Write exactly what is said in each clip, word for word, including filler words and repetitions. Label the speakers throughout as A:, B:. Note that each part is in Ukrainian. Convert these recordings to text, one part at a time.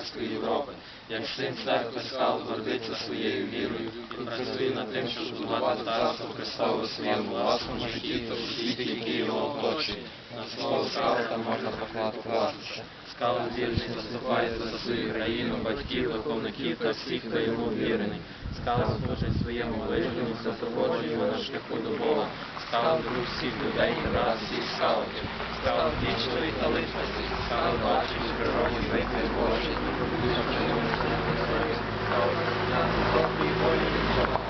A: католицької Європи. Як син церкви Скал гордиться своєю вірою і працює над тим, щоб будувати Царство Христове у своєму власному житті та у світі, який його оточує. На слово Скала можна покладатися. Скал вірний заступається за свою країну, батьків, духовників та всіх, хто йому вірений. Скал служить своєму ближньому, супроводжує його на шляху до Бога. Скал друг всіх людей і брат всіх скаутів. Скал вічної та личності. Скал бачить в природі виклик Божий. Скал на добрій волі від Бога.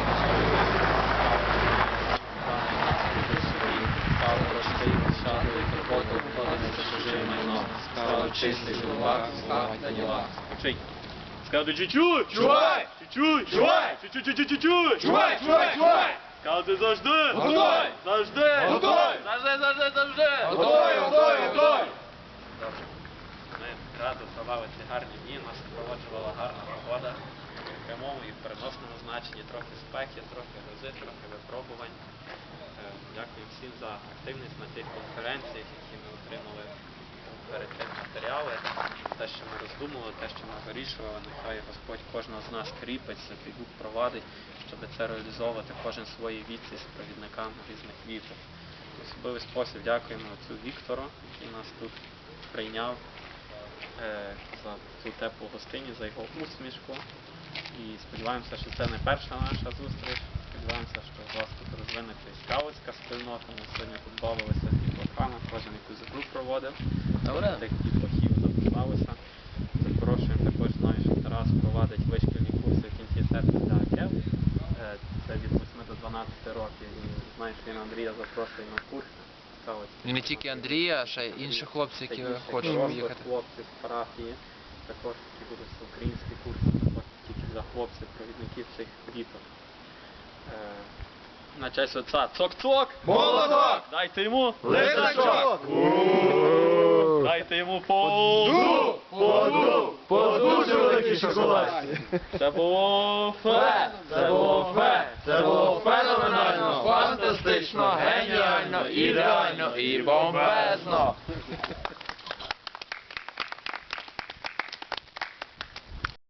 A: Скал простий, шаглий, турботу, входить за чуже майно. Скал чистий, голова, слава та діла. Вчить. Скал ти чуть-чуть!
B: Чувай!
A: Чуть-чуть!
B: Чувай!
A: Чуть-чуть-чуть-чуть!
B: Чувай, чувай, чувай!
A: Скал ти завжди!
B: Готовий!
A: Завжди!
B: Готовий!
A: Завжди, завжди, завжди!
B: Готовий, готовий, готовий!
A: Добре. Ми радо провели ці гарні дні, нас супроводжувала гарна погода. В прямому і в переносному значенні трохи спеки, трохи грози, трохи випробувань. Е, Дякую всім за активність на тих конференціях, які ми отримали перед тим матеріали. Те, що ми роздумували, те, що ми вирішували, нехай Господь кожного з нас кріпить, Святий Дух провадить, щоб це реалізовувати кожен в своїй віці з провідниками різних віток. В особливий спосіб дякуємо отцю Віктору, який нас тут прийняв, е, за цю теплу гостині, за його усмішку. І сподіваємося, що це не перша наша зустріч. Сподіваємося, що у вас тут розвинеться і скаутська спільнота. Ми сьогодні тут бавилися з дітлахами, кожен якусь гру проводив. Тих дітлахів записалися. Запрошуємо також, знаю, що Тарас провадить вишкільні курси в кінці серпня для АКЕВ. Це від восьми до дванадцяти років. І знаю, що він Андрія запрошує на курс.
C: І не тільки Андрія, а ще й інші хлопці, які хочуть поїхати.
A: Хлопці з парафії, також які будуть українські курси, також тільки для хлопців, провідників цих діток. На честь отця цок-цок!
B: Молоток!
A: Дайте йому
B: Лисачок!
A: Дайте йому по...
B: Поду! Поду! Дуже великий шоколад!
A: Це було фе!
B: Це було фе! Це було феноменально, фантастично, геніально, ідеально і бомбезно!